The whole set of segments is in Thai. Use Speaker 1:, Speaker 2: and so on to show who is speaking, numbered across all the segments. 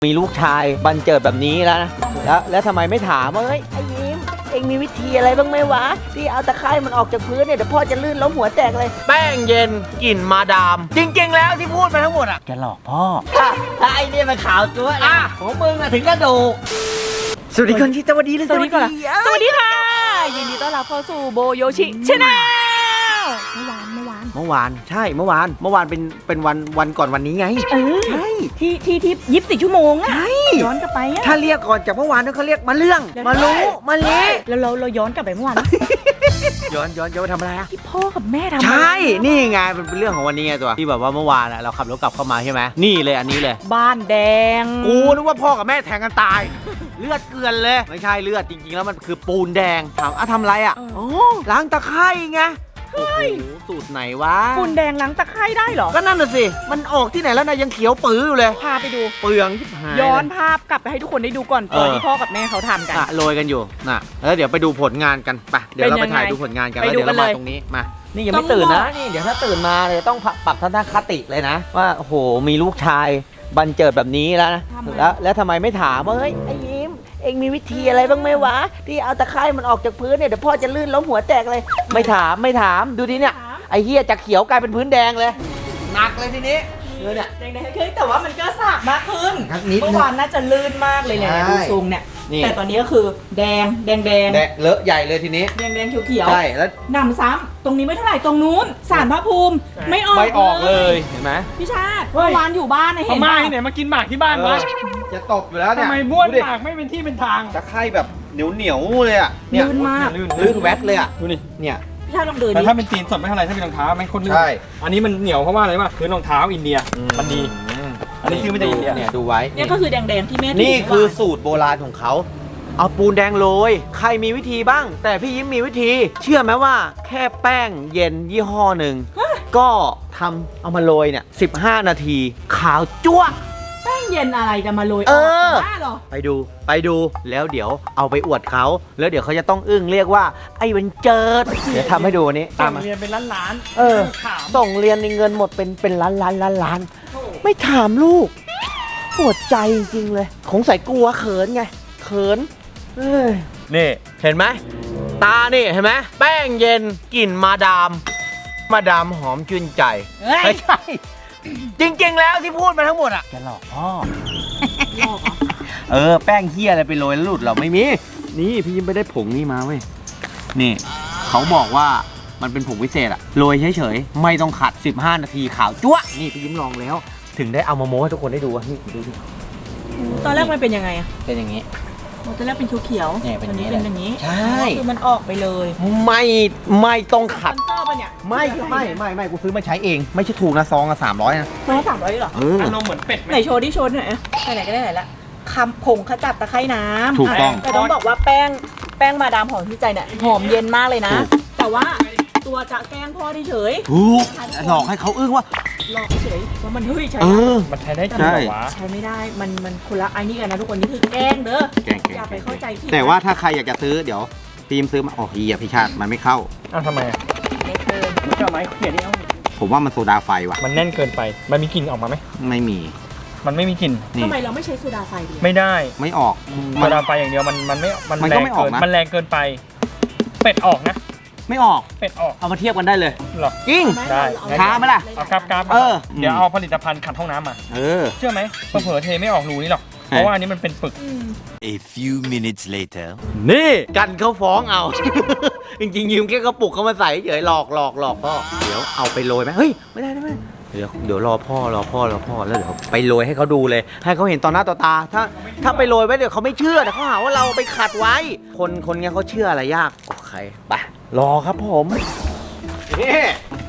Speaker 1: มีลูกชายบันเจิดแบบนี้แล้วนะแล้วทำไมไม่ถามว่าเฮ้ยไอ้ยิ้มเองมีวิธีอะไรบ้างไหมวะที่เอาตะไคร่มันออกจากพื้นเนี่ยเดี๋ยวพ่อจะลื่นล้มหัวแตกเลย
Speaker 2: แป้งเย็นกลิ่นมาดาม จริงๆแล้วที่พูดมาทั้งหมดอ่ะ
Speaker 1: จะหลอกพ่อถ้าไอ้เนี่ยมันขาวจั๊วนะของมึงอะถึงกระดูกสวัสดีคนที่สวัสดีเลย
Speaker 3: สวัสดีก่อนสวัสดีค่ะยินดีต้อนรับเข้าสู่โบโยชิชาแนลเมื่อวาน
Speaker 1: ใช่เมื่อวานเป็นวันก่อนวันนี้ไงใช่
Speaker 3: ที่24 ชั่วโมงอะใช่ย้อนกลับไปอะ
Speaker 1: ถ้าเรียกก่อนจากเมื่อวานเขาเรียกมาเรื่องมารู้มาเละ
Speaker 3: แล้วเราย้อนกลับไปเมื่อวาน
Speaker 1: ย้อนไปทำอะไรอะ
Speaker 3: ที่พ่อกับแม่ทำ
Speaker 1: ใช่นี่ไงเป็นเรื่องของวันนี้ไงตัวที่แบบว่าเมื่อวานเราขับรถกลับเข้ามาใช่ไหมนี่เลยอันนี้เลย
Speaker 3: บ้านแดง
Speaker 1: กูนึกว่าพ่อกับแม่แทงกันตายเลือดเกลือนเลยไม่ใช่เลือดจริงๆแล้วมันคือปูนแดงถามทำอะไรอ่ะโอ้ล้างตะไคร่ไงโอ้โหสูตรไหนวะ
Speaker 3: ปูนแดงล้างตะไคร่ได้เหรอ
Speaker 1: ก็นั่นน่ะสิมันออกที่ไหนแล้วนะยังเขียวปื้ออยู่เลย
Speaker 3: พาไปดู
Speaker 1: เปลืองชิบหาย
Speaker 3: ย้อนภาพกลับไปให้ทุกคนได้ดูก่อนตอนที่พ่อกับแม่เขาทำกัน
Speaker 1: โรยกันอยู่น่ะแล้วเดี๋ยวไปดูผลงานกันไปเดี๋ยวเราไปถ่ายดูผลงานกันแล้วเดี๋ยวเรามาตรงนี้มานี่ยังไม่ตื่นนะนี่เดี๋ยวถ้าตื่นมาเลยต้องปรับทัศนคติเลยนะว่าโอ้โหมีลูกชายบันเจิดแบบนี้แล้วนะแล้วทำไมไม่ถามว่าเฮ้ยไอ้ยิ้มเองมีวิธีอะไรบ้างไหมวะที่เอาตะไคร่มันออกจากพื้นเนี่ยเดี๋ยวพ่อจะลื่นล้มหัวแตกเลยไม่ถามดูดิเนี่ยไอ้เหี้ยจากเขียวกลายเป็นพื้นแดงเลยหนักเลยทีนี้เนี่ย
Speaker 3: แดงขึ้นแต่ว่ามันก็สากมากขึ้นเมื่อวานน่าจะลื่นมากเลยเนี่ยดูทรงเนี่ยแต่ตอนนี้ก็คือแดง
Speaker 1: เลอะใหญ่เลยทีนี้
Speaker 3: แดงเขียว
Speaker 1: ใช่แล้ว
Speaker 3: หนำซ้ำตรงนี้ไม่เท่าไหร่ตรงนู้นศาลพระภูมิไม่ออก
Speaker 1: เลยเห็นไหม
Speaker 3: พี่ชาติเมื่อวานอยู่บ้านเห็น
Speaker 2: ไหมเนี่ยมากินหมากที่บ้านวะ
Speaker 1: จะตบอยู่แล้วเนี่ย
Speaker 2: ทำไมบ้วนหมากไม่เป็นที่เป็นทาง
Speaker 1: ตะไคร่แบบเหนียวเลยอ่ะ
Speaker 3: เนี่ยลื่นมาก
Speaker 1: ลื่นแวดเลยอ่ะ
Speaker 2: ดูนี่
Speaker 1: เนี่ย
Speaker 3: พี่ชาติลองเดิน
Speaker 2: แต่ถ้าเป็นตีนสดไม่เท่าไรถ้าเป็นรองเท้าไม่คนลื่นอันนี้มันเหนียวเพราะว่าอะไรวะคือรองเท้าอินเดียมันดีอันนี้คือไม่ได้อินเดีย
Speaker 1: เนี่ยดูไว้
Speaker 3: เนี่ยก็คือแดงที่แม่
Speaker 1: นี่คือสูตรโบราณของเขาเอาปูนแดงโรยใครมีวิธีบ้างแต่พี่ยิ้มมีวิธีเชื่อไหมว่าแค่แป้งเย็นยี่ห้อหนึ่งก็เอามาโรยเนี่ย15 นาทีขาวจั๊ว
Speaker 3: แป้งเย็นอะไรจะมาโรย
Speaker 1: ไปดูแล้วเดี๋ยวเอาไปอวดเขาแล้วเดี๋ยวเขาจะต้องอึ้งเรียกว่าไอ้บันเจิดเดี๋ยวทำให้ดูนี้
Speaker 2: ตามเรียนเป็นล้าน
Speaker 1: ส่งเรียนในเงินหมดเป็นล้านไม่ถามลูกปวดใจจริงๆเลยคงใส่กลัวเขินไงเขินนี่เห็นไหมตานี่เห็นไหมแป้งเย็นกลิ่นมาดามหอมชื่นใจไม่ใช่จริงๆแล้วที่พูดมาทั้งหมดอ่ะจะหลอกพ่อแป้งเหี้ยอะไรไปโรยแล้วหลุดเราไม่มีนี่พี่ยิ้มไปได้ผงนี่มาเว้ยนี่เขาบอกว่ามันเป็นผงวิเศษอะโรยเฉยๆไม่ต้องขัด15 นาทีขาวจั๊วนี่พี่ยิ้มลองแล้วถึงได้เอามาโม้ให้ทุกคนได้ดูว่านี่ดูดิ
Speaker 3: ตอนแรกมันเป็นยังไงอะ
Speaker 1: เป็นอย่างนี้
Speaker 3: ตอนแรกเป็นเขียว
Speaker 1: เนี่ยเป็นอย่าง
Speaker 3: นี้
Speaker 1: ใช่
Speaker 3: คือมันออกไปเลย
Speaker 1: ไม่ต้องขัดไม่กูซื้อมาใช้เองไม่ใช่ถูกนะซองละ300นะ
Speaker 3: ไม่300หรอ
Speaker 2: อารมณ์เหมือนเป็ด
Speaker 3: ไหนโชว์ดิโชว์หน่อยไหนก็ได้ไหนละคำผงขจัดตะไคร่น้ำ
Speaker 1: ถูกต้อง
Speaker 3: แต่ต้องบอกว่าแป้งมาดามหอมที่ใจเนี่ยหอมเย็นมากเลยนะแต่ว่าตัวจะแกล้งพ่อเฉย
Speaker 1: หลอกให้เขาอึ้งว่า
Speaker 3: หลอกเฉยว่ามันใช้
Speaker 2: มันใช้ได้จริงเหรอวะ
Speaker 3: ใช้ไม่ได้มันคนละไอ้นี่กันนะทุกคนนี่คือแกล้งเด้ออย่าไปเข้าใจผิด
Speaker 1: แต่ว่าถ้าใครอยากจะซื้อเดี๋ยวทีมซื้อมาพี่ชาติมันไม่เข้า
Speaker 2: ทำไมอ่ะมันก็ไม้เขียนนี่
Speaker 1: ผมว่ามันโซดาไฟว่ะ
Speaker 2: มันแน่นเกินไปมันมีกลิ่นออกมาไหม
Speaker 1: ไม่มี
Speaker 2: มันไม่มีกลิ่น
Speaker 3: ทำไมเราไม่ใช้โซดาไฟดี
Speaker 2: ไม่ได้
Speaker 1: ไม่ออก
Speaker 2: โซดาไฟอย่างเดียวมันแรงเกินมันแรงเกินไปเป็ดออกนะ
Speaker 1: ไม่ออก
Speaker 2: เป็ดออก
Speaker 1: เอามาเทียบกันได้เลย
Speaker 2: หรอ
Speaker 1: จริง
Speaker 2: ได้
Speaker 1: ช้าไหมล่ะ
Speaker 2: เอากราฟเดี๋ยวเอาผลิตภัณฑ์ขัดห้องน้ำมาเชื่อไหมเผลอเทไม่ออกรูนี่หรอกเพราะว่าอันนี้มันเป็นปึก
Speaker 4: A few minutes later
Speaker 1: นี่กันเขาฟ้องเอาจริงๆยืมแค่กระปุกเขามาใส่เฉยหลอกพ่อเดี๋ยวเอาไปโรยไหมเฮ้ยไม่ได้เดี๋ยวรอพ่อแล้วเดี๋ยวไปโรยให้เขาดูเลยให้เขาเห็นต่อหน้าต่อตาถ้าไปโรยไว้เดี๋ยวเขาไม่เชื่อแต่เขาหาว่าเราไปขัดไว้คนเงี้ยเขาเชื่ออะไรยากโอเคไปรอครับผมนี่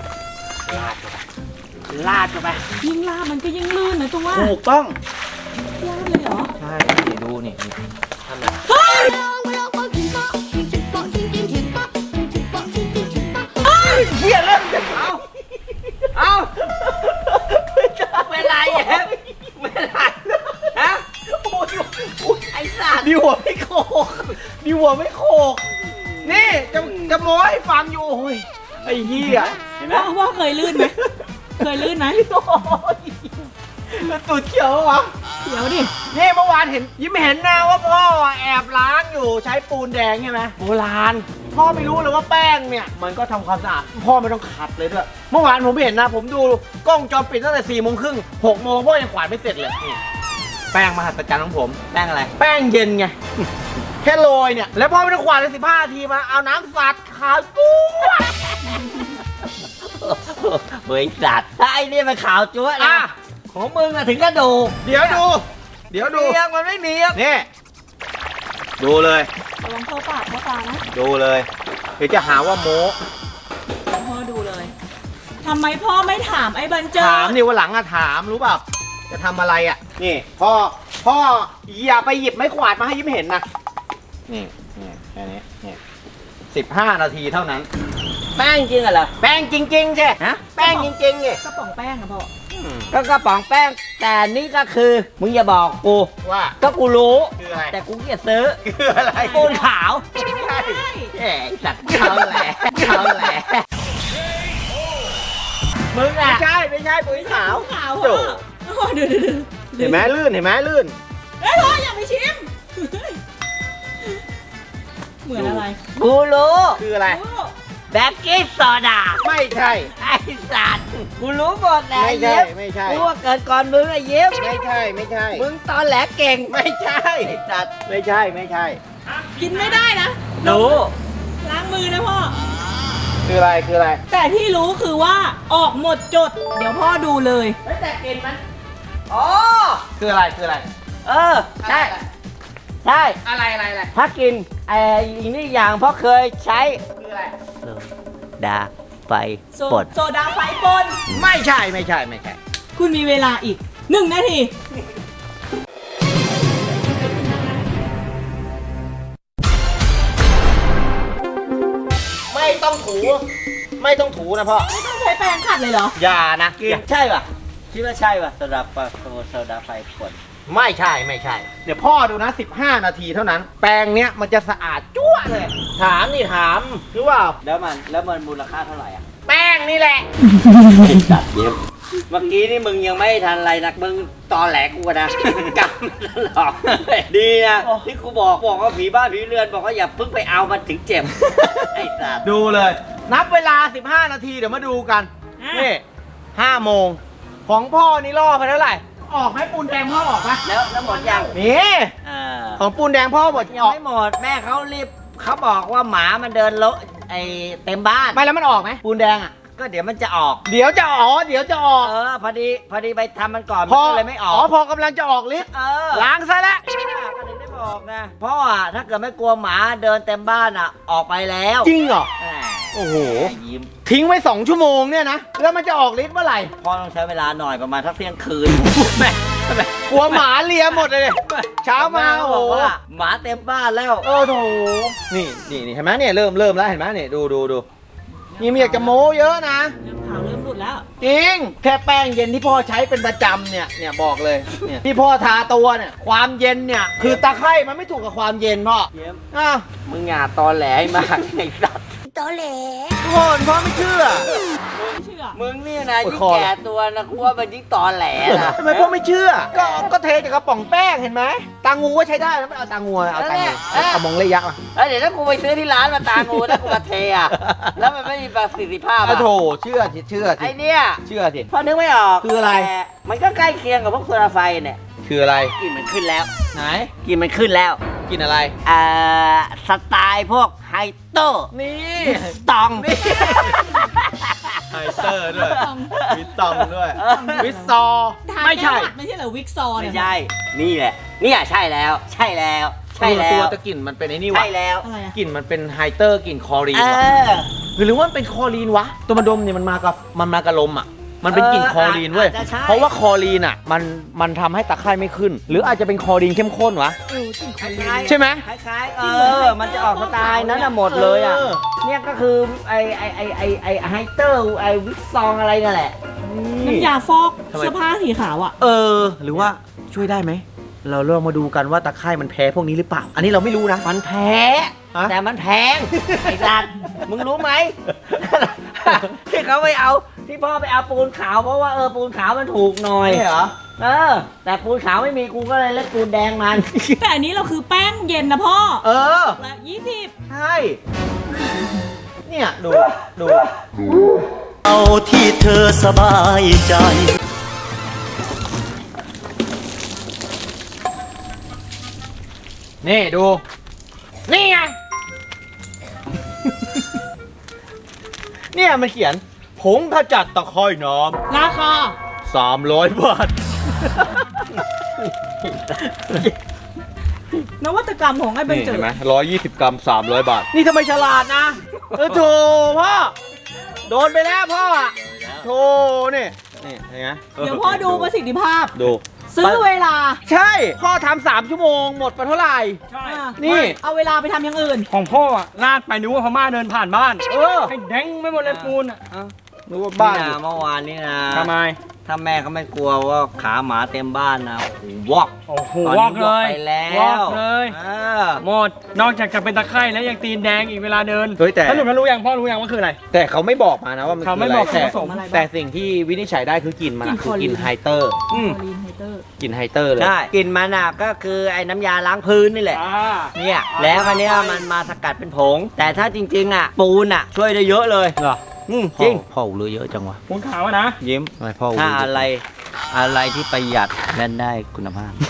Speaker 1: ลาดเข้าไป
Speaker 3: ยิ่งลาดมันก็ยิ่งลื่นนะตัว
Speaker 1: ถูกต้อง
Speaker 3: ลาดเลยเหรอ
Speaker 1: ใช่ดูนี่ทำไมเฮียเริ่มเอาเป็นไรแฮะเป็นไรฮะโอ้ยไอ้สัตว์ดิหัวไม่โขกนี่จะโม้ให้ฟังอยู่โอ้ยไอ้เหี้ย
Speaker 3: ว่าเคยลื่นไหมแล้วตูดเขียววะเดี๋ยวดิ
Speaker 1: นี่เมื่อวานเห็นยิ้มเห็นนะว่าพ่อแอบล้างอยู่ใช้ปูนแดงใช่ไหมโบราณพ่อไม่รู้เลยว่าแป้งเนี่ยมันก็ทำความสะอาดพ่อไม่ต้องขัดเลยด้วยเมื่อวานผมเห็นนะผมดูกล้องจอปิดตั้งแต่4 โมงครึ่ง6 โมงพ่อยังกวาดไม่เสร็จเลยนี่แป้งมหัศจรรย์ของผมแป้งอะไร แป้งเย็นไง แค่โรยเนี่ยแล้วพ่อไม่ต้องกวาดเลย15 นาทีมาเอาน้ำสัดขาวปุ๊บเฮ้ยสัตว์ไอ้นี่มันขาวจั๊วนะของมึงอะถึงกระดูกเดี๋ยวดูมันไม่มีนี่ดูเลย
Speaker 3: ระวังเข้าปากเข้าตานะ
Speaker 1: ดูเลยเดี๋ยวจะหาว่าโม้
Speaker 3: พ่อดูเลยทำไมพ่อไม่ถามไอ้บันเจิด
Speaker 1: ถามนี่วันหลังอะถามรู้เปล่าจะทำอะไรอะนี่พ่ออย่าไปหยิบไม้กวาดมาให้ยิ้มเห็นนะนี่แค่นี้นี่15 นาทีเท่านั้น
Speaker 5: แป้งจริงเหรอ
Speaker 1: แป้งจริงๆใช่
Speaker 5: ฮะ
Speaker 1: แป้งจริงๆนี่
Speaker 3: กระป๋องแป้งอะพ่อ
Speaker 5: ก็กระป๋องแป้งแต่นี่ก็คือมึงอย่าบอกกู
Speaker 1: ว่า
Speaker 5: ก็กูรู้
Speaker 1: คืออะไร
Speaker 5: แต่กูเกลียดซื้อ
Speaker 1: คืออะไร
Speaker 5: ปูนขาว
Speaker 1: ใช่
Speaker 5: แหมสัตว์เขาแหละมึง
Speaker 1: ไม่
Speaker 5: อ่ะ
Speaker 1: ใช่ปุ๋ยขาว
Speaker 3: ขาว
Speaker 1: โถ่
Speaker 3: พ่อดู
Speaker 1: เห็นไหมลื่นเห็นไหมลื่น
Speaker 3: เฮ้ยพ่ออย่าไปชิมเหมือนอะไร
Speaker 5: กูรู้
Speaker 1: คืออะไร
Speaker 3: โอ้
Speaker 5: แบกกิ้งโซดา
Speaker 1: ไม่ใช่
Speaker 5: ไอ้สัตว์กูรู้หมดแหละ
Speaker 1: ไม่ใช่
Speaker 5: เย็บ
Speaker 1: ไม่ใช่
Speaker 5: กูว่าเกิดก่อนมึงไอ้เย็บ
Speaker 1: ไม่ใช่ไม่ใช่
Speaker 5: มึงตอนแหลเก่ง
Speaker 1: ไม่ใช่
Speaker 5: ไอ้สัตว์
Speaker 1: ไม่ใช่ไม่ใช่
Speaker 3: กินไม่ได้นะ
Speaker 5: รู้
Speaker 3: ล้างมือนะพ่อ
Speaker 1: คืออะไรคืออะไร
Speaker 3: แต่ที่รู้คือว่าออกหมดจด เดี๋ยวพ่อดูเลย
Speaker 5: แต่กินมันอ๋อ
Speaker 1: คืออะไรคืออะไร
Speaker 5: เออใช่ใช่
Speaker 1: อะไร
Speaker 5: ถ้ากินอีกนี่อย่างเพราะเคยใช้
Speaker 1: คืออะไร
Speaker 5: ดาไฟ
Speaker 3: โซดาไฟปน
Speaker 1: ไม่ใช่
Speaker 3: คุณมีเวลาอีก 1 นาที
Speaker 1: ไม่ต้องถูนะพ่อ
Speaker 3: ไม่ต้องใช้แปรงขัดเลยเหรอ
Speaker 1: อย่านะ
Speaker 5: ใช่ป่ะคิดว่าใช่ป่ะโซดาไฟขวด
Speaker 1: ไม่ใช่ เดี๋ยวพ่อดูนะ15 นาทีเท่านั้น แปรงเนี้ยมันจะสะอาดจั่วเลย ถามหรือว่า
Speaker 5: แล้วมันมูลค่าเท่าไหร่อ่ะ
Speaker 1: แป้งนี่แหละ
Speaker 5: จัดเย็บเมื่อกี้นี่มึงยังไม่ทันอะไรนะมึงตอแหลกูนะกลับมาตลอดดีนะที่กูบอกว่าผีบ้านผีเรือนบอกว่าอย่าเพิ่งไปเอามันถึงเจ็บไอ้สัตว์
Speaker 1: ดูเลย นับเวลา15 นาทีเดี๋ยวมาดูกัน
Speaker 3: อ่ะ
Speaker 1: นี่5 โมงของพ่อนี่ล่อไปเท่าไหร่ออกไหมปูนแดงพ่อออกไหม
Speaker 5: แล้วหมดยัง
Speaker 1: นี่
Speaker 5: า
Speaker 1: ของปูนแดงพ่อหมด
Speaker 5: ยัง
Speaker 1: ออก
Speaker 5: ไม่หมดแม่เขารีบเขาบอกว่าหมามันเดินเลาะเต็มบ้าน
Speaker 1: ไม่แล้วมันออกไหมปูนแดงอ่ะ
Speaker 5: ก็เดี๋ยวมันจะออก
Speaker 1: เดี๋ยวจะออก
Speaker 5: พอดีไปทำมันก่อนมันก็เลยไม่ออก
Speaker 1: พอกำลังจะออกลิฟต์ ล้างซะแล้ว
Speaker 5: ก็ถึงได้บอกไงเพราะว่าถ้าเกิดไม่กลัวหมาเดินเต็มบ้านอ่ะออกไปแล้ว
Speaker 1: จริงเหรอ
Speaker 5: แหม
Speaker 1: โอ้โห
Speaker 5: ยิ้ม
Speaker 1: ทิ้งไว้2 ชั่วโมงเนี่ยนะ แล้วมันจะออกลิฟต์เมื่อไหร่
Speaker 5: พ่อต้องใช้เวลาหน่อยประมาณสักเที่ยงคืนแม่
Speaker 1: กลัวหมาเลียหมดเลยเช้ามา
Speaker 5: แก็
Speaker 1: โอ้
Speaker 5: บ
Speaker 1: โห
Speaker 5: อกว่าหมาเต็มบ้านแล้ว
Speaker 1: โถนี่เห็นไหมเนี่ยเริ่มแล้วเห็นไหมเนี่ยดูนี่ไม่อยากจะโม้เยอะนะ
Speaker 3: เริ่มขาวเริ่มหลุดแล้ว
Speaker 1: จริง แค่แป้งเย็นที่พ่อใช้เป็นประจำเนี่ยบอกเลยเนี่ยที่พ่อทาตัวเนี่ยความเย็นเนี่ยคือตะไคร่มันไม่ถูกกับความเย็นพ่อ
Speaker 5: เยี่ยม
Speaker 1: อ้าว
Speaker 5: มึงอย่าตอแหลให้มากไอ้สัตว์
Speaker 1: ทุกคนพ่อไม่เชื่อ
Speaker 3: ไม่เชื่อ
Speaker 5: มึงนี่นะ
Speaker 1: โอ้ย
Speaker 5: ยิ่ง
Speaker 1: คอ
Speaker 5: แก่ตัวนะกูว่ามันยิ่งตอแหลนะ
Speaker 1: ทำไมพ่อไม่เชื่อ ก็เทจากกระป๋องแป้งเห็นไหมตางูก็ใช้ได้แล้วไม่เอาตางูเอาตางูเอามองระยะมา
Speaker 5: แล้วเดี๋ยวถ้ากูไปซื้อที่ร้านมาตางูถ้ากูมาเทอะแล้วมันไม่มีประสิทธิภาพ
Speaker 1: โอ้
Speaker 5: อะ
Speaker 1: โถเชื่อสิ
Speaker 5: ไอเนี่ย
Speaker 1: เชื่อสิ
Speaker 5: พอนึกไม่ออก
Speaker 1: คืออะไร
Speaker 5: แต่มันก็ใกล้เคียงกับพวกโซดาไฟเนี่ย
Speaker 1: คืออะไร
Speaker 5: กลิ่นมันขึ้นแล้ว
Speaker 1: ไหน
Speaker 5: กลิ่นมันขึ้นแล้ว
Speaker 1: กินอะไร
Speaker 5: สไตล์พวกไฮโต้
Speaker 1: นี่
Speaker 5: ตอง
Speaker 1: ไฮเตอร์ด้วยวิตตองด้วย วิตซอ
Speaker 3: ทา
Speaker 1: ไม่ใช่
Speaker 3: แก้หวัดไม่ใช่เหรอวิกซอ
Speaker 5: ไม่
Speaker 3: เนี่ย
Speaker 5: ใช่ นี่แหละ นี่ใช่แล้ว ใช่แล้ว ใช่แล้
Speaker 1: ตัว
Speaker 5: ว
Speaker 1: ตะกลิ่นมันเป็นไอ้นี่วะ
Speaker 5: ใช่แล้ว
Speaker 3: อะไรอะ
Speaker 1: กลิ่นมันเป็นไฮเตอร์กลิ่นคลอรีน
Speaker 5: เอ
Speaker 1: วะ
Speaker 5: อ
Speaker 1: หรือว่ามันเป็นคลอรีนวะ ตัวมันดมเนี่ยมันมากับลมอ่ะ มันเป็นกลิ่นคลอรีนเว้ย
Speaker 5: อาจจะใช่
Speaker 1: เพราะว่าคลอรีนอ่ะมันทำให้ตะไคร่ไม่ขึ้น หรืออาจจะเป็นคลอรีนเข้มข้นวะ
Speaker 3: เออจริง
Speaker 5: คล้ายๆ
Speaker 1: ใช่ไหม
Speaker 5: คล้ายๆมันจะออกสไตล์นั้นน่ะหมดเลยอ่ะ
Speaker 1: เออ
Speaker 5: เนี่ยก็คือไอไฮเตอร์ไอวิกซองอะไรนั่นแหละ
Speaker 3: น้ำยาฟอก
Speaker 1: ทำไม
Speaker 3: เสื้อผ้าสีขาวอ่ะ
Speaker 1: หรือว่าช่วยได้ไหม เราเริ่มมาดูกันว่าตะไคร่มันแพ้พวกนี้หรือเปล่า อันนี้เราไม่รู้นะ
Speaker 5: มันแพ้
Speaker 1: ฮะ
Speaker 5: แต่มันแพง ไอ้สัตว์มึงรู้ไหม ที่เขาไปเอาที่พ่อไปเอาปูนขาวเพราะว่าปูนขาวมันถูกหน่อย
Speaker 1: ใช่เหรอ
Speaker 5: แต่ปูนขาวไม่มีกูก็เลยเล่นปูนแดงมัน
Speaker 3: แต่อันนี้เราคือแป้งเย็นนะพ่อ
Speaker 1: เออ
Speaker 3: ละ20
Speaker 1: ใช่ เนี่ยดู
Speaker 6: เอาที่เธอสบายใจ
Speaker 1: นี่ดู นี่ไง เนี่ยมันเขียนผงขจัดตะไคร่น้
Speaker 3: ราคา
Speaker 1: ำ300 บาท
Speaker 3: นวัตกรรมของไอ้เบน
Speaker 1: นี่
Speaker 3: เจิ
Speaker 1: เห็
Speaker 3: ด
Speaker 1: นไหม120 กรัม 300 บาท นี่ทำไมฉลาดนะ โถพ่อ โดนไปแล้วพ่ออะโถนี่เห็นไหม
Speaker 3: เดี๋ยวพ่อดูประสิทธิภาพ
Speaker 1: ดู
Speaker 3: ซื้อเวลา
Speaker 1: ใช่ พ่อทำ3 ชั่วโมงหมดไปเท่าไหร่
Speaker 2: ใช่
Speaker 3: อ่ะ
Speaker 1: นี่
Speaker 3: เอาเวลาไปทำอย่างอื่น
Speaker 2: ของพ่ออะลาดไปนึกว่าพม่าเดินผ่านบ้าน
Speaker 1: เออ
Speaker 2: ให้แดงไม่หมดเลยปูนอ่ะ
Speaker 1: นึกว่าบ้าน
Speaker 5: นี่นะเมื่อวานนี่นะ
Speaker 2: ทำไม
Speaker 5: ถ้าแม่เขาไม่กลัวว่าขาหมาเต็มบ้านนะโอ้โหวอก
Speaker 2: โอ้โห
Speaker 5: ตอน
Speaker 2: ว
Speaker 5: นี้
Speaker 2: อกเล
Speaker 5: วอก
Speaker 2: ย
Speaker 5: ไปแล้ว
Speaker 2: วอกเลย
Speaker 5: เออ
Speaker 2: หมดนอกจากจะเป็นตะไคร่แล้วยังตีนแดงอีกเวลาเดิน
Speaker 1: เฮ้ยแต่
Speaker 2: สรุปแล้วรู้ยังพ่อรู้ยังว่าคืออะไร
Speaker 1: แต่เขาไม่บอกมานะว่ามัน
Speaker 2: เขาไม่
Speaker 1: คืะร
Speaker 2: บอก
Speaker 1: แต่
Speaker 2: ส่วนผสม
Speaker 3: อะไรบ้าง
Speaker 1: แต่สิ่งที่วินิจฉัยได้คือกลิ่นมันอะ
Speaker 3: กลิ่น
Speaker 1: คือกลิ่น
Speaker 3: คลอรีน
Speaker 1: ไฮเตอร์
Speaker 2: อืม
Speaker 3: คลอรีนไฮเตอร์
Speaker 1: กลิ่นไฮเตอร์เลย
Speaker 5: ใช่กลิ่นมันอ่ะก็คือไอ้น้ำยาล้างพื้นนี่แหละ
Speaker 2: อ่า
Speaker 5: เนี่ยแล้วคันนี้ยมันมาสกัดเป็นผง แต่ถ้าจริงๆอ่ะปูนอ่ะช่วยได้เยอะเลย
Speaker 1: เหรอ
Speaker 5: จริง
Speaker 1: พ่อรู้เยอะจังวะ
Speaker 2: ปูนขาวอะนะ
Speaker 5: ยิ้ม
Speaker 1: ทำไมพ่อรู้
Speaker 5: ถ้า
Speaker 1: เยอะ
Speaker 5: อะไรที่ประหยัดและได้คุณภาพ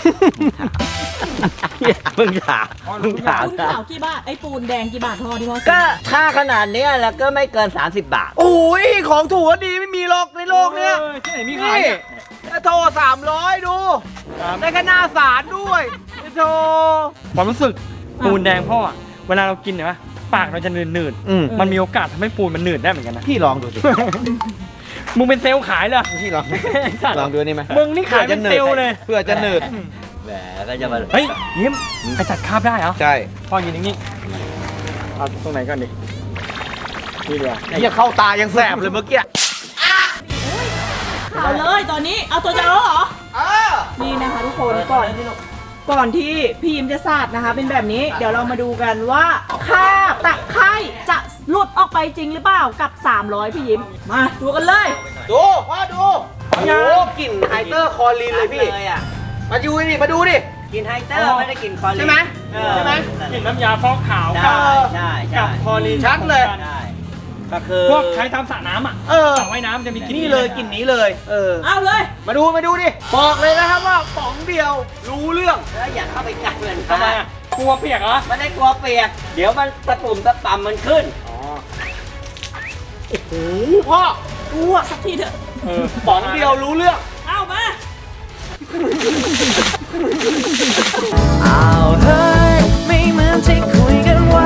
Speaker 5: มึงถามมึงถาม
Speaker 3: ปูนขาวกี่บาท ไอ้ปูนแดงกี่บาทพ่อที่พ่อซื้อ
Speaker 5: ก็ถ้าขนาดเนี้ยแล้วก็ไม่เกิน 30 บาท
Speaker 1: โอ้ยของถูกก็ดีไม่มีหรอกในโลกเนี้ย
Speaker 2: ออที่ไหนมีขาย
Speaker 1: นี่
Speaker 2: เนี่ย
Speaker 1: โทร300 ดู ได้แค่หน้าสารด้วยโทร
Speaker 2: ความรู้สึกปูนแดงพ่ออะเวลาเรากินเนี่ยปะปากเราจะหนืด
Speaker 1: อืม
Speaker 2: ๆมันมีโอกาสทำให้ปูนมันหนืดได้เหมือนกันนะ
Speaker 1: พี่ลองดูสิ
Speaker 2: มึงเป็นเซลล์ขายเหรอ
Speaker 1: พี่ลอง
Speaker 2: ไอ้สัตว์
Speaker 1: ลองดูนี่ไหม
Speaker 2: มึงนี่ขายเป็นเซลล์เลย
Speaker 1: เพื่อจะหนืด
Speaker 5: แหมก็จะมา
Speaker 2: เฮ้ยยิ้มไอสัตว์คาบได้เหรอ
Speaker 1: ใช่
Speaker 2: พ่อยืนนิ่งๆเอาตรงไหนก่อนดินี่เดียว
Speaker 1: เนี่ยเข้าตายังแสบเลยเมื่อกี้
Speaker 3: เอาเลยตอนนี้ เอาตัวจะเอาเหรอ นี่นะคะทุกคนก่อนที่พี่ยิ้มจะสาดนะคะ เป็นแบบนี้ เดี๋ยวเรามาดูกันว่าคราบตะไคร่จะหลุดออกไปจริงหรือเปล่ากับ 300 พี่ยิ้ม มาดูกันเลย
Speaker 1: ดูพ่อดู โอ้โหกลิ่นไฮเตอร์คอลีนเลยพี่
Speaker 5: เลยอ่ะ
Speaker 1: มาดูนี่มาดูดิ
Speaker 5: กินไฮเตอร์ไม่ได้กินคอลีน
Speaker 1: ใช่ไหม
Speaker 5: เออ
Speaker 1: ใช่ไหม
Speaker 2: กลิ่นน้ำยาฟอกขาว
Speaker 5: ใช่ใช่
Speaker 2: กั
Speaker 5: ใช่
Speaker 2: บคอลีน
Speaker 1: ชัดเลย
Speaker 5: ใช่ก็คือ
Speaker 2: พวกใช้ตามสระน้ำอ่ะ
Speaker 1: เออ
Speaker 2: สระว่ายน้ำจะมีกลิ่น
Speaker 1: นี่เลยกลิ่นนี้เลย เออ
Speaker 3: เอาเลย
Speaker 1: มาดูดิ บอกเลยนะครับว่าป๋องเดียวรู้เรื่อง
Speaker 5: แล้วอย่าเข้าไปใกล้มัน
Speaker 2: ทำไมอ่ะกลัวเปียกเหรอ
Speaker 5: ไม่ได้กลัวเปียก เดี๋ยวมันตะปุ่มตะป่ำมันขึ้น
Speaker 1: โอ้โหพ่อ
Speaker 3: อ้วกสักทีเถอะ
Speaker 2: เออ
Speaker 1: ป๋องเดียวรู้เรื่อง
Speaker 3: เอามา
Speaker 6: เอาเฮ้ยไม่เหมือนที่คุยกันไว้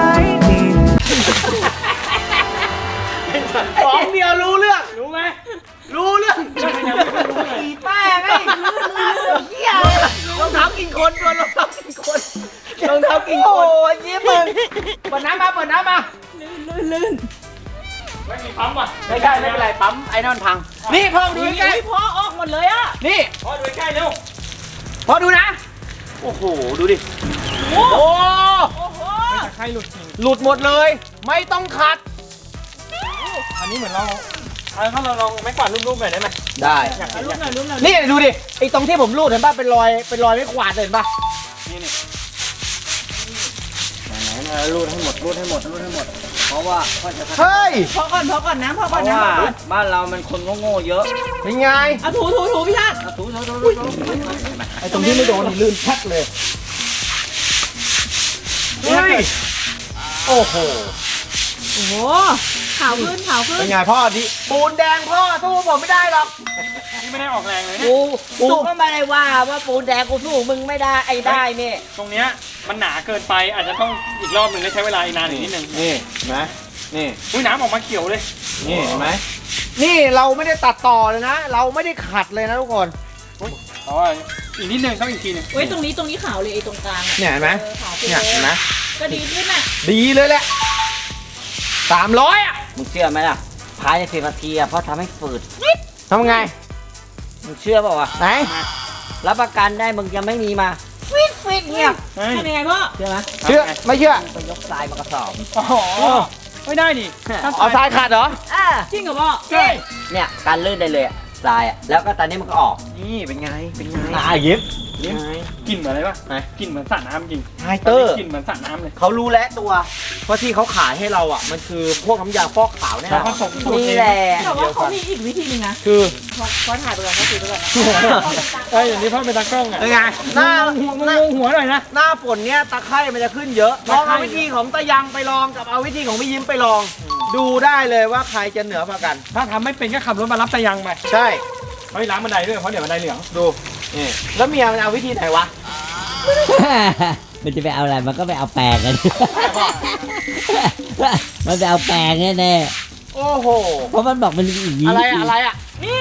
Speaker 1: ป๋องเดียวรู้เรื่อง
Speaker 2: รู้ไหม
Speaker 1: รู้เรื่อง
Speaker 2: ก็ยังไม่รู้เลย
Speaker 1: อีแป้งไอ้เหี้ยรองเท้ากินคนรองเท้ากินคนรองเท้ากินคน โอ้ยยิ้มมึงเปิดน้ำมา
Speaker 3: ลื่น
Speaker 2: ไม่มีปั๊มว่ะ
Speaker 1: ไม่ใช่ไม่เป็นไรปั๊มไอ้นั่นพัง นี่พ่อดูใกล้
Speaker 3: อุ้ยพ่อออกหมดเลยอะ
Speaker 1: ๆนี่
Speaker 2: พ่อดูใกล้ๆเร็ว
Speaker 1: พ่อดูนะ โอ้โห ดูดิ
Speaker 3: โอ้
Speaker 1: โอ้
Speaker 3: โอ้โห
Speaker 2: ตะไคร่หลุดจริง
Speaker 1: หลุดหมดเลย ไม่ต้องขัด
Speaker 2: อันนี้เหมือนเราถ้าเราลองไม้กวาดรูปๆหน่อยได้ไหม
Speaker 1: ได้
Speaker 2: อยากเห็น
Speaker 3: รูปหน่อยรูปหน่อย
Speaker 1: นี่ดูดิ ไอ้ตรงที่ผมรูดเห็นป่ะ เป็นรอยไม่ขวาดเลยเห็นป่ะ
Speaker 2: นี่นี่
Speaker 5: ไหนๆรูดให้หมด เพราะว่าพ่อจะ
Speaker 1: เฮ้ย
Speaker 3: พอก่อนนะพอ
Speaker 5: เพ
Speaker 3: ก่อน
Speaker 5: ราะ
Speaker 3: นะ
Speaker 5: ว่าบ้านเรามันคนโง่ๆเยอะ
Speaker 1: เป็นไง
Speaker 3: เอาถูพี่ชาติ
Speaker 5: เอาถู
Speaker 1: ไอ้ตรงที่ไม่โดนนี่ลื่นชัดเลย เฮ้ย โอ้โห
Speaker 3: โอ้โหขาวขึ้น
Speaker 1: เป็นไงพ่อดิปูนแดงพ่อสู้ผมไม่ได้หรอก
Speaker 2: นี่ไม่ได้ออกแรงเลยนะ
Speaker 5: กูก็ไม่ได้ว่าปูนแดงกูสู้มึงไม่ได้ไอ้ได้นี่
Speaker 2: ตรงเนี้ยมันหนาเกินไปอาจจะต้องอีกรอบหนึ่งได้ใช้เวลาอีกนานอีกนิดนึง
Speaker 1: นี่เห็นไหมนี่
Speaker 2: อุ้ยน้ำออกมาเขียวเลย
Speaker 1: นี่เห็นไหมนี่เราไม่ได้ตัดต่อเลยนะ เราไม่ได้ขัดเลยนะทุกคน
Speaker 2: อ๋ออีกนิดนึงต้องอีกทีนึง
Speaker 3: เว้ยตรงนี้ขาวเลยไอ้ตรงกลางอะ
Speaker 1: เนี่ยเห็นไหม
Speaker 3: ขาวขึ้น
Speaker 1: เนี่ย
Speaker 3: เล
Speaker 1: เห็นไหม
Speaker 3: ยก็ดีขึ้นน่ะ
Speaker 1: ดีเลยแหละ300อ่ะ
Speaker 5: มึงเชื่อไหมล่ะภายใน10 นาทีอะเพราะทำให้ฝืด
Speaker 1: ทำไง
Speaker 5: มึงเชื่อเปล่าวะ
Speaker 1: ไหน
Speaker 5: รับประกันได้มึงจะไม่มีมาฟิตเงียบ
Speaker 2: เฮ้ย
Speaker 3: ทำยังไงพ่อ
Speaker 5: เชื่อไหม
Speaker 1: เชื่อ ไม่เชื่อ
Speaker 5: ไปยกทรายมากระสอบ
Speaker 2: อ๋อไม่ได้ดิถ้า
Speaker 1: เอาทรายขัดเหรอ
Speaker 5: อ่า
Speaker 3: จริงเหรอพ่อ
Speaker 5: เนี่ยการลื่นได้เลยอะทรายอ่ะแล้วก็ตอนนี้มันก็ออก
Speaker 1: นี่เป็นไงเป็นไง
Speaker 5: ตายยิบ
Speaker 2: นี่กลิ่นเหมือนอะไรปะกลิ่นเหมือนสระน้ำจริง
Speaker 1: ไฮเตอร์
Speaker 2: กลิ่นเหมือนสระน้ำเลย
Speaker 1: เขารู้แล้วตัวเพราะที่เขาขายให้เราอ่ะมันคือพวกน้ำยาฟอกขาวแน่น
Speaker 2: แล้ว
Speaker 1: อ
Speaker 2: ก็
Speaker 1: น
Speaker 2: ส่งสูตร
Speaker 5: นี่
Speaker 2: เอง
Speaker 5: แหละ
Speaker 3: แต่ว่าเขามีอีกวิธีหนึงนะ
Speaker 1: คือ
Speaker 3: เขาถ่ายไปก่อนเขาถือไปก่อนนะ
Speaker 2: อย่างนี้พ่อเป็นตากล้องอ่ะ
Speaker 1: เป็นไงหน้า
Speaker 2: หัวหน่อยนะ
Speaker 1: หน้าฝนเนี้ยตะไคร่มันจะขึ้นเยอะลองเอาวิธีของตะยังไปลองกับเอาวิธีของพี่ยิ้มไปลอง ดูได้เลยว่าใครจะเหนือกว่ากัน
Speaker 2: ถ้าทำไม่เป็นก็ขับรถมารับตะยังไป
Speaker 1: ใช่
Speaker 2: เขาให้ล้างบันไดด้วยเพราะเดี๋ยวบันไดเหลือง
Speaker 1: ดูนี่แล้วเมียมันเอาวิธีไหนวะ
Speaker 5: มันจะไปเอาอะไรมันก็ไปเอาแปรงกัน มันไปเอาแปรงแน่
Speaker 1: โอ้โห
Speaker 5: ๆเพราะมันบอกมันมีอีกวิ
Speaker 1: อะไร
Speaker 5: ธี
Speaker 1: อะไรอ่ะ
Speaker 3: นี่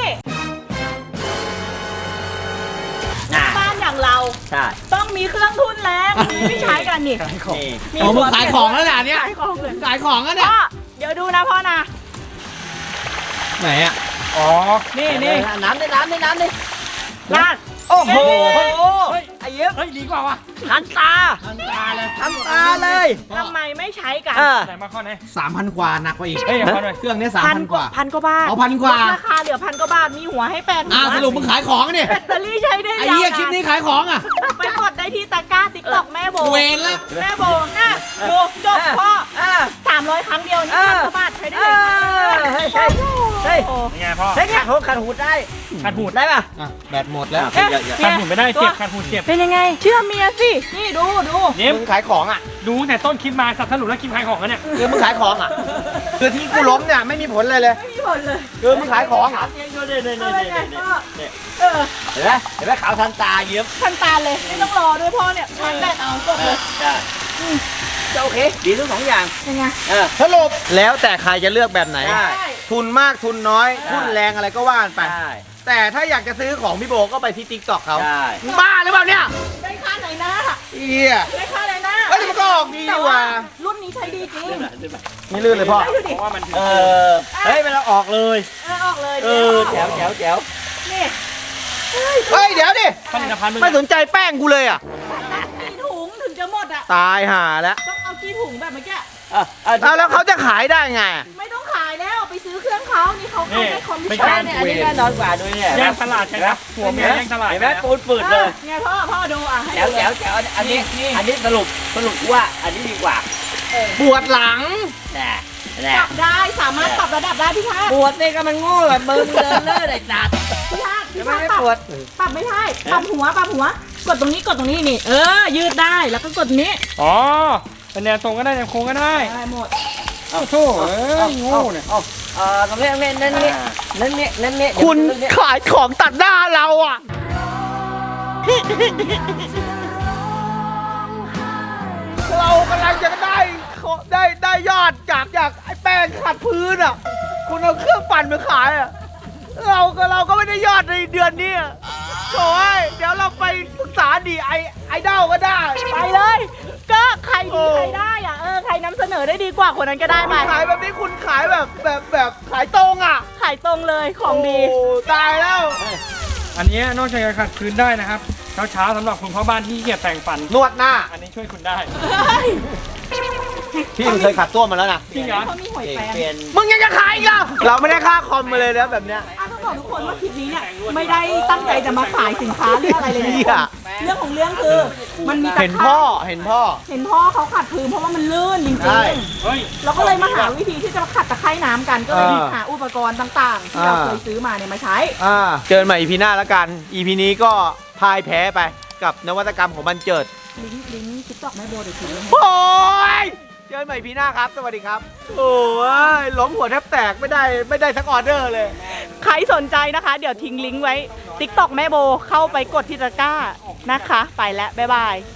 Speaker 5: น่ะ
Speaker 3: บ้านอย่างเรา
Speaker 5: ใช่
Speaker 3: ต้องมีเครื่องทุนแรงมีไม่ใช้กันนี่
Speaker 5: นี่
Speaker 3: มี
Speaker 1: โอ้มึงขายของแล้วเหรอเนี่ย
Speaker 3: ขายของเลย
Speaker 1: ขายของแล้วเนี่ย
Speaker 3: พ่อเดี๋ยวดูนะพ่อนะ
Speaker 1: ไหนอ่ะ
Speaker 2: อ๋อ
Speaker 3: นี่นี่
Speaker 5: น้ำดิน้ำดิน้ำดิ
Speaker 3: ลาด
Speaker 1: โอ้โห
Speaker 2: เฮ้ย
Speaker 1: ไอ้เย็บ
Speaker 2: เฮ้ยดีกว่าว่ะ
Speaker 5: ทันตา
Speaker 2: ทันตาเลย
Speaker 1: ทำตาเลย
Speaker 3: ทำไมไม่ใช้กัน
Speaker 2: ไหนมาข้อไหน
Speaker 1: 3,000 กว่าหนักกว่าอีก
Speaker 2: เฮ้ยเอาข้อหน่อย
Speaker 1: เครื่องเนี้ย
Speaker 3: พัน
Speaker 1: 3,000 กว่า
Speaker 3: พันกว่าบาท
Speaker 1: เอา1,000 กว่า
Speaker 3: ลดราคาเหลือ1,000 กว่าบาทมีหัวให้แปดหัว
Speaker 1: สรุปมึงขายของเนี่ย
Speaker 3: แบตเตอรี่ใช้ได้
Speaker 1: ไอ้
Speaker 3: ยาว
Speaker 1: เหี้ย
Speaker 3: นา
Speaker 1: คลิปนี้ขายของอ่ะ
Speaker 3: ไปกดได้ที่ตะกร้าติ๊กต็อกแม่โบ
Speaker 1: เวรละ
Speaker 3: แม่โบน่ะดูจบพ่อ300 ครั้งเดียวนี่1,000 กว่าบาทใช้ได้เลย
Speaker 5: เฮ้ยเฮ้ยเฮ้ย
Speaker 3: โอ้
Speaker 2: ยังไงพ่อ
Speaker 5: เฮ้ยขัดหูขัดหูได้
Speaker 2: ขัดหูด
Speaker 5: ได้ป่ะ
Speaker 1: แบตหมดแล้ว
Speaker 3: เอ๊ะ
Speaker 2: ขัดหูดไม่ได้เจ็บขัดหูดเจ็บ
Speaker 3: เป็นยังไง เชื่อเมียสิ นี่ดูดู
Speaker 2: ยิ้ม
Speaker 1: มึงขายของอ่ะ
Speaker 2: ดูตั้งแต่ต้นคลิปมาสับสรุปแล้วคลิปขายของกันเนี่ย
Speaker 1: คือมึงขายของอ่ะ คือที่กูล้มเนี่ยไม่มีผลเลย
Speaker 3: ไม่มีผลเลย
Speaker 1: คือมึงขายของอ่ะ
Speaker 3: เอาเป็นไงพ่อเออ
Speaker 5: เห็นไหมเห็นไหมขาวทันตาเยิ้ม
Speaker 3: ทันตาเลยไม่ต้องรอด้วยพ่อเนี่ยชาร์จแบตเอาจบเลย
Speaker 5: ใช่จะโอเค ดีทั้งสองอย่าง
Speaker 3: ยังไง
Speaker 1: สรุปแล้วแต่ใครจะเลือกแบบไหน
Speaker 5: ใช่
Speaker 1: ทุนมากทุนน้อย ทุนแรงอะไรก็ว่ากันไป
Speaker 5: ใช่
Speaker 1: แต่ถ้าอยากจะซื้อของพี่โบก็ไปที่ติ๊กต็อกเขา
Speaker 5: ใช่
Speaker 1: มึงบ้าหรือเปล่าเนี่ย
Speaker 3: ได้ค่าไหนหน้า
Speaker 1: เอีย
Speaker 3: ได้ค่าไหนหน้า
Speaker 1: เอ้ยแต่มันก็ออกดี
Speaker 3: แต่
Speaker 1: ว่ะ
Speaker 3: รุ่นนี้ใช้ดีจริง
Speaker 1: ไม่ลื่นเลยพ่อ
Speaker 3: ได้ดูดิ
Speaker 2: เพราะว่ามันถึง
Speaker 5: เออ เฮ้ยมันเอาออกเลย
Speaker 3: ออกเลย
Speaker 5: เออแจ๋วแจ๋วแจ๋ว
Speaker 3: นี่
Speaker 1: เฮ้ยเดี๋ยวดิ
Speaker 2: ผลิตภัณฑ์มึง
Speaker 1: ไม่สนใจแป้งกูเลยอ่ะ
Speaker 3: กี่ถุงถึงจะหมดอ่ะ
Speaker 1: ตายห่าแล้ว
Speaker 3: ต้องเอากี่ถุงแบบเมื่อกี้
Speaker 1: เอาแล้วเขาจะขายได้ไง
Speaker 3: ไม่ต้องขายแล้วไปซื้อเครื่องเขานี่เขาให้คอมมิช
Speaker 5: ไม่
Speaker 3: ชั่
Speaker 5: ใช่
Speaker 3: น
Speaker 5: เนี่ยอันนี้แน่นอนกว่าด้วยเนี่ย
Speaker 2: แย่งตลาดใช่ไหมหัวเมียแย่งตลาด
Speaker 5: เห็นไหมปูนปืดเลย
Speaker 3: ไงพ่อดูอ่ะให้
Speaker 5: แจ๋ว
Speaker 3: ดู
Speaker 5: แจ๋วแจ๋วอันนี้สรุปว่าอันนี้ดีกว่า
Speaker 1: ปวดหลัง
Speaker 5: แน่
Speaker 3: ป
Speaker 5: แน่
Speaker 3: รับได้สามารถปรับระดับได้พี่ชาติ
Speaker 5: ปวดนี่ก็มันโง่แบบมึงเดินเลื่อนไอ้จัด
Speaker 3: พี่ชาติ
Speaker 5: ทำไมไม่ปวด
Speaker 3: ปรับไม่ได้ปรับหัวกดตรงนี้กดตรงนี้นี่ยืดได้แล้วก็กดนี้
Speaker 2: อ๋อเป็นแนวตรงก็ได้แนวโค้งก็ได้
Speaker 3: ได้หมด
Speaker 2: โอ้โหเอ้ยโง่เนี่ย
Speaker 5: ตรงนี้นั่นนี่
Speaker 1: คุณขายของตัดหน้าเราอ่ะ เรากำลังจะได้ยอดจากไอ้แป้งขัดพื้นอ่ะ คุณเอาเครื่องปั่นมาขายอ่ะ เราก็ไม่ได้ยอดในเดือนนี้อะโถ่ยเดี๋ยวเราไปปรึกษาดีไอดอลก็ได้
Speaker 3: ไปเลย ก็ใครดีใครได้อ่ะใครนำเสนอได้ดีกว่าคนนั้นก็ได้ไป
Speaker 1: ขายแบบนี้คุณขายแบบขายตรงอ่ะ
Speaker 3: ขายตรงเลยของดี
Speaker 1: โตายแล้ว
Speaker 2: อันนี้นอกจากจะขัดพื้นได้นะครับเช้าๆสำหรับคุณพ่อบ้านที่ขี้เกียจแต่งฟัน
Speaker 1: นวดหน้า
Speaker 2: อันนี้ช่วยคุณได้
Speaker 1: พี่มึงเคยขัดส้วมมาแล้วนะ
Speaker 2: จริงเหรอ
Speaker 3: เขามีหอยแปรง
Speaker 5: เปลี่ยน
Speaker 1: มึงยังจะขายอีกเหรอเราไม่ได้ค่าคอมมาเลยนะแบบเนี้ย
Speaker 3: ต้องบอกทุกคนว่าคลิปนี้เนี่ยไม่ได้ตั้งใจจะมาขายสินค้าเรื่องอะไรเลยนะ
Speaker 1: เหี้ย
Speaker 3: เรื่องของเรื่องคือมันมีตะ
Speaker 1: เห็น
Speaker 3: ไค
Speaker 1: พ่
Speaker 3: ร้
Speaker 1: อเห็นพ่อ
Speaker 3: เห็นพ่อเขาขัดพื้นเพราะว่ามันลื่นจริง
Speaker 1: ใช่
Speaker 2: เฮ้ย
Speaker 3: ๆเราก็เลยมาหาวิธีที่จะมาขัดตะไคร่น้ำกันก็เลย
Speaker 1: อ่า
Speaker 3: หาอุปกรณ์ต่างๆ ที่เรา
Speaker 1: อ่า
Speaker 3: เคยซื้อมาเนี่ยมาใช้
Speaker 1: เจอกันใหม่ EP หน้าแล้วกัน EP นี้ก็พ่ายแพ้ไปกับนวัตกรรมของบันเจิด
Speaker 3: ลิงก์ติ๊กต็อกแม่โบเดี๋ยวทิ้งไว้ให้
Speaker 1: โอ้ยเจอกันใหม่ EP หน้าครับ สวัสดีครับ โอ้ยล้มหัวแทบแตกไม่ได้สักออเดอร์เลย
Speaker 3: ใครสนใจนะคะ เดี๋ยวทิ้งลิงก์ไว้ TikTok แม่โบเข้าไปกดที่ตะกร้านะคะ ไปแล้ว บ๊ายบาย